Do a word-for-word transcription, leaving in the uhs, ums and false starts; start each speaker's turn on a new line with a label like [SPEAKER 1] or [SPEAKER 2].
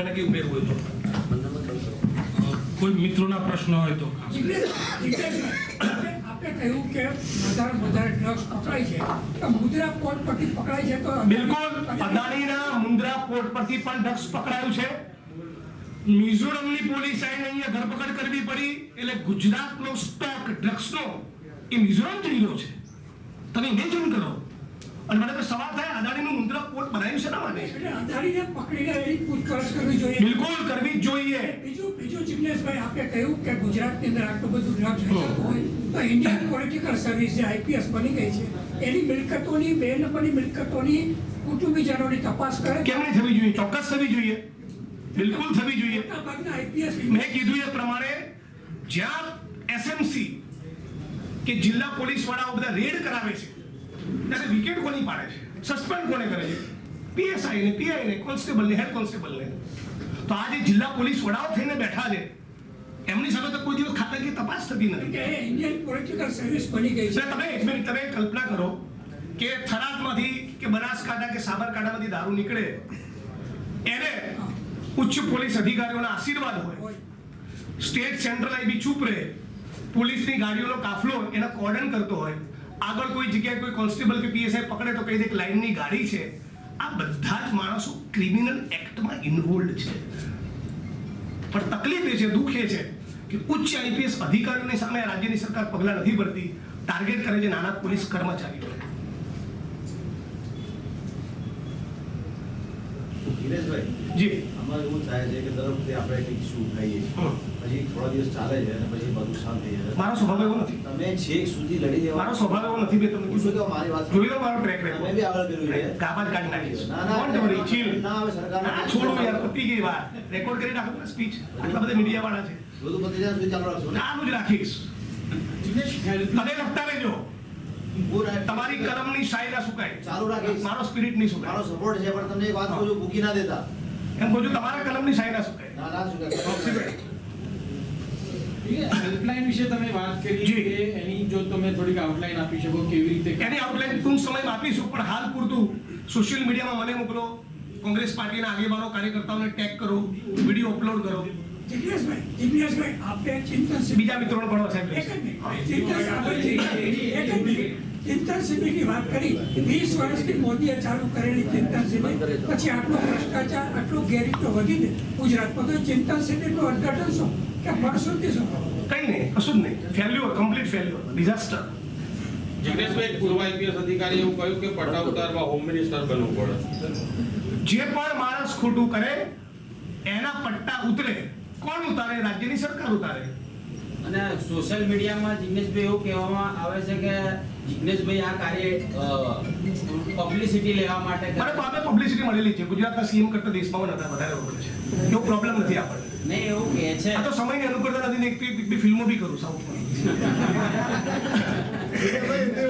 [SPEAKER 1] મને કે ઉમેરવું હોય તો કોઈ મિત્રોના પ્રશ્ન હોય તો
[SPEAKER 2] આપણે કહ્યું કે વધારે વધારે ડ્રગ્સ પકડાય છે તો મુદ્રા પોર્ટ પરથી પકડાય છે તો
[SPEAKER 1] બિલકુલ અદાણીના મુન્દ્રા પોર્ટ પરથી પણ ડ્રગ્સ પકડાયું છે. મિઝોરમની પોલીસ આઈને અહીંયા ધરપકડ કરવી પડી એટલે ગુજરાતનો સ્ટોક ડ્રગ્સનો એ મિઝોરમ જઈ રહ્યો છે. તમે ઇમેજિન કરો. અને મને તો સવાલ થાય અદાણીનું મુન્દ્રા પોર્ટ બનાવ્યું છે ના માટે
[SPEAKER 2] એટલે અદાણીને પકડીને એની પૂછપરછ કરવી જોઈએ.
[SPEAKER 1] બિલકુલ કરવી જ જોઈએ.
[SPEAKER 2] બીજું બીજું જિગ્નેશભાઈ આપણે કહ્યું કે ગુજરાતની અંદર આટલું બધું ડ્રગ્સ વેચાતું હોય તો ઇન્ડિયન પોલિટિકલ સર્વિસ જે આઈપીએસ બની ગઈ છે એની મિલકતોની બે નંબરની મિલકતોની કુટુંબીજનોની તપાસ કરે.
[SPEAKER 1] કેમ નહીં થવી જોઈએ? ચોક્કસ થવી જોઈએ. બિલકુલ થવી જોઈએ.
[SPEAKER 2] મોટાભાગના આઈપીએસ
[SPEAKER 1] મેં કીધું એ પ્રમાણે જ્યાં એસએમસી કે જિલ્લા પોલીસ વાળાઓ બધા રેડ કરાવે છે ત્યારે વિકેટ કોની પાડે છે? સસ્પેન્ડ કોને કરે છે? પીએસઆઈ ને પીઆઈ ને કોન્સ્ટેબલ ને હેડ કોન્સ્ટેબલ ને. તો આ જે જિલ્લા પોલીસ વડાઓ થઈને બેઠા છે એમની સામે તો કોઈ દિવસ ખાતાકીય તપાસ થતી નથી.
[SPEAKER 2] કે ઇન્ડિયન પોલિટિકલ સર્વિસ બની ગઈ છે.
[SPEAKER 1] તમે એક મિનિટ તમે કલ્પના કરો કે થરાદમાંથી કે બનાસકાંઠા કે સાબરકાંઠામાંથી દારૂ નીકળે એને ઉચ્ચ પોલીસ અધિકારીઓના આશીર્વાદ હોય, સ્ટેટ સેન્ટ્રલ આઈબી ચૂપ રહે, પોલીસની ગાડીઓનો કાફલો એના કોર્ડન કરતો હોય, આગળ કોઈ જગ્યાએ કોઈ કોન્સ્ટેબલ કે પીએસઆઈ પકડે તો કહી દે કે લાઇનની ગાડી છે. આ બધા જ માણસો ક્રિમિનલ એક્ટમાં ઇન્વોલ્વ છે. પણ તકલીફ એ છે, દુઃખ એ છે કે ઉચ્ચ આઈપીએસ અધિકારીઓની સામે રાજ્યની સરકાર પગલાં નથી ભરતી, ટાર્ગેટ કરે છે નાના પોલીસ કર્મચારીઓને. જી
[SPEAKER 3] આમાં એવું થાય છે કે દર વખતે આપણે કંઈક ઇસ્યુ ઉઠાવીએ છીએ, પછી થોડા દિવસ ચાલે છે અને પછી બધું શાંત થઈ જાય.
[SPEAKER 1] મારો સ્વભાવ એવો નથી.
[SPEAKER 3] તમે છેક સુધી લડી દેવા.
[SPEAKER 1] મારો સ્વભાવ એવો નથી. મેં તમને
[SPEAKER 3] પૂછો તો મારી વાત
[SPEAKER 1] જોઈ લો મારો ટ્રેક રેકોર્ડ.
[SPEAKER 3] મેં બી આગળ કર્યું છે.
[SPEAKER 1] કાપા જ કાઢી નાખીશ.
[SPEAKER 3] ના ના
[SPEAKER 1] કોણ તમારી ચીલ?
[SPEAKER 3] ના હવે સરકાર
[SPEAKER 1] ના છોડો યાર, પતી ગઈ વાત. રેકોર્ડ કરી નાખો સ્પીચ. આટલા બધા મીડિયા વાળા છે.
[SPEAKER 3] બધું પતી જાય સુધી ચાલુ રાખશો ને.
[SPEAKER 1] આનું જ રાખીશ. તમે લખતા રહેજો. તમારી કલમની શાયરી ના સુકાય.
[SPEAKER 3] ચાલુ રાખીશ.
[SPEAKER 1] મારો સ્પિરિટ નહીં સુકાય.
[SPEAKER 3] મારો સપોર્ટ છે, પણ તમને એક વાત કહું છું, મૂકી ના દેતા.
[SPEAKER 1] એમ કહું છું તમારા કલમની શાયરી ના સુકાય.
[SPEAKER 3] ના ના સુકાય.
[SPEAKER 4] હેલ્પલાઇન વિશે તમે વાત કરી
[SPEAKER 1] જી.
[SPEAKER 4] કે એની જો તમે થોડીક આઉટલાઈન આપી શકો કેવી રીતે
[SPEAKER 1] એની આઉટલાઈન ટૂંક સમયમાં આપીશું, પણ હાલ પૂરતું સોશિયલ મીડિયામાં મને મોકલો, કોંગ્રેસ પાર્ટીના આગેવાનો કાર્યકર્તાઓને ટેગ કરો, વિડીયો અપલોડ કરો.
[SPEAKER 2] જિગ્નેશભાઈ જિગ્નેશભાઈ આપણે ચિંતન શિબિર
[SPEAKER 1] બીજા મિત્રોને ભણવા સાહેબ
[SPEAKER 2] એક જ મિનિટ. ચિંતન આપણે એક જ મિનિટ. ચિંતન શિબિરની વાત કરી. વીસ વર્ષથી મોદીએ ચાલુ કરેલી ચિંતન શિબિર પછી આટલો ભ્રષ્ટાચાર આટલો ગેરરીતો વધીને ગુજરાતમાં તો ચિંતન શિબિરનું ઉદ્ઘાટન શું કે ફળશ્રુતિ શું?
[SPEAKER 1] કઈ નહીં, કશું જ નહીં. Failure, complete failure, disaster.
[SPEAKER 5] Jigneshbhai, પૂર્વ આઈપીએસ અધિકારી એવું કહ્યું કે પટ્ટા ઉતારવા હોમ મિનિસ્ટર બનવું પડે.
[SPEAKER 1] જે પણ માણસ ખોટું કરે એના પટ્ટા ઉતરે. કોણ ઉતારે? રાજ્યની સરકાર ઉતારે.
[SPEAKER 6] અને સોશિયલ મીડિયામાં જિગ્નેશભાઈ એવું કહેવામાં આવે છે કે જિગ્નેશભાઈ આ કાર્ય પબ્લિસિટી લેવા માટે કરે.
[SPEAKER 1] મને તો આપણે પબ્લિસિટી મળેલી છે. ગુજરાતના સીએમ કરતા દેશમાં વધારે વધારે મળે છે. એવો પ્રોબ્લેમ નથી આપણને.
[SPEAKER 6] નહીં એવું કહે છે.
[SPEAKER 1] આ તો સમયની અનુકૂળતા નથી ને એક બી ફિલ્મો બી કરું સાઉથમાં.